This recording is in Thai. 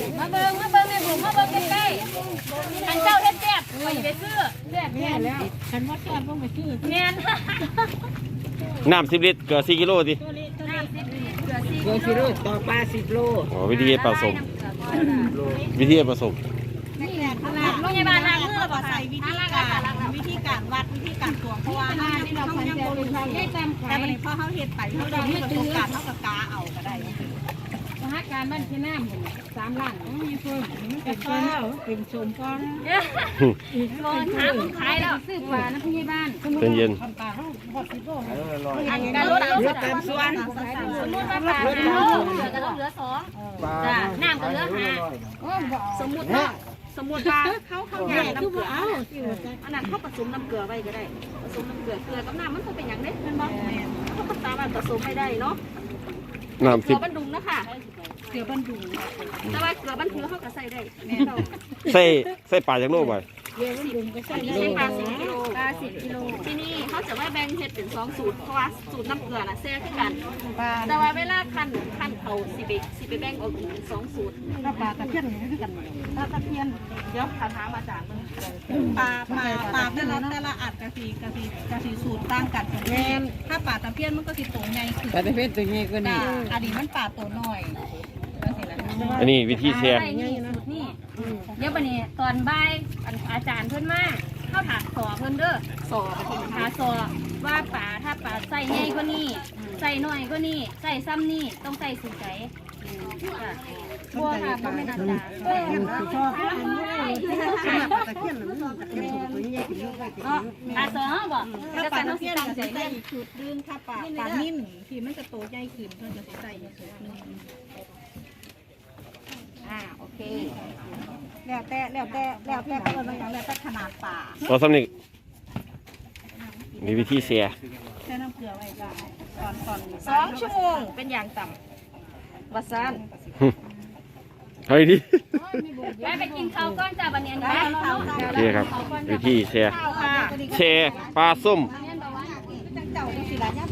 มาเบิ่งในบุ๋มมาเบิ่งใกล้ๆอันเจ้าเฮ็ดแซ่บไปซื้อแซ่บแน่แล้วฉันว่าแซ่บต้องไปซื้อแน่นน้ำ10 ลิตรเกลือ4 กิโลดิน้ำ10 ลิตรเกลือ 10 โลต่อปลา10 โลอ๋อวิธีผสมผสมโรงพยาบาลทางเลือกใส่วิธีการวัดวิธีการตวงเพราะว่าที่เรายังบ่รู้แต่วันนี้พอเขาเฮ็ดไปเขาได้ประสบการณ์เขากับกาเอาก็ได้สหการบ้านที่น้ำ3 ล้านมีเพิ่มเป็นข้าวเป็นชมก้อนร้อนหาคนขายแล้วซื้อปลาน้ำพยาบาลเป็นเย็นการลดตามส่วนสมมติว่าปลา5 โลเหลือก็ต้องเหลือ2จ้ะน้ำก็เหลือ5สมมติว่าเขาแยกน้ำเกลืออันนั้นเขาผสมน้ำเกลือไว้ก็ได้ผสมน้ำเกลือกับน้ำมันก็เป็นอย่างนี้เป็นบ่เขาก็สามารถผสมไม่ได้เนาะน้ำ10 เกลือบันดุงนะคะเกลือบันดุงแต่ว่าเกลือบันดุงเขาก็ใส่ได้ใส่ปลาจากโลกไปใส่ปลา10 กิโลที่นี่เขาจะว่าแบ่งเห็ดเป็น2 สูตรเพราะว่าสูตรน้ำเกลือน่ะแซ่บขึ้นกันแต่ว่าเวลาคั้นเขาสิไปแบ่งออกเป็น2 สูตรปลาตะเพียนนี่คือกันปลาตะเพียนเดี๋ยวถามอาจารย์ปลาแต่ละอัดกะทิสูตรต่างกันถ้าปลาตะเพียนมันก็สิโตใหญ่ขึ้นปลาตะเพียนตัวนี้ก็นี่อันนี้มันปลาตัวน้อยอันนี้วิธีแช่นี่สูตรนี่เดี๋ยววันนี้ตอนบ่ายอาจารย์เพิ่นมาเข้าถามสอเพิ่นเด้อสอไปที่หาสอว่าปลาถ้าปลาใส่ใหญ่กว่านี้ใส่น้อยกว่านี้ใส่ซ้ำนี่ต้องใส่สูตรไหนบัวค่ะบ่แม่นอาจารย์ชอบปลาตะเพียนมันตะเพียนตัวใหญ่ขึ้นเยอะเลยปลาสอบ่ถ้าปลาตะเพียนจะใส่สูตรนึงถ้าปลานิ่มที่มันจะโตใหญ่ขึ้นก็จะใส่สูตรนึงโอเคแล้วแต่ก็เลยมันอย่างแล้วแต่ขนาดปลาต่อสำนึกมีวิธีแช่แช่น้ำเกลือไว้ก่อน2 ชั่วโมงเป็นอย่างต่ำวัดซันเฮ้ยดิไปกินข้าวก้อนจ้าบันเนียนนะโอเคครับวิธีแช่ปลาส้มเจ้าสิละย่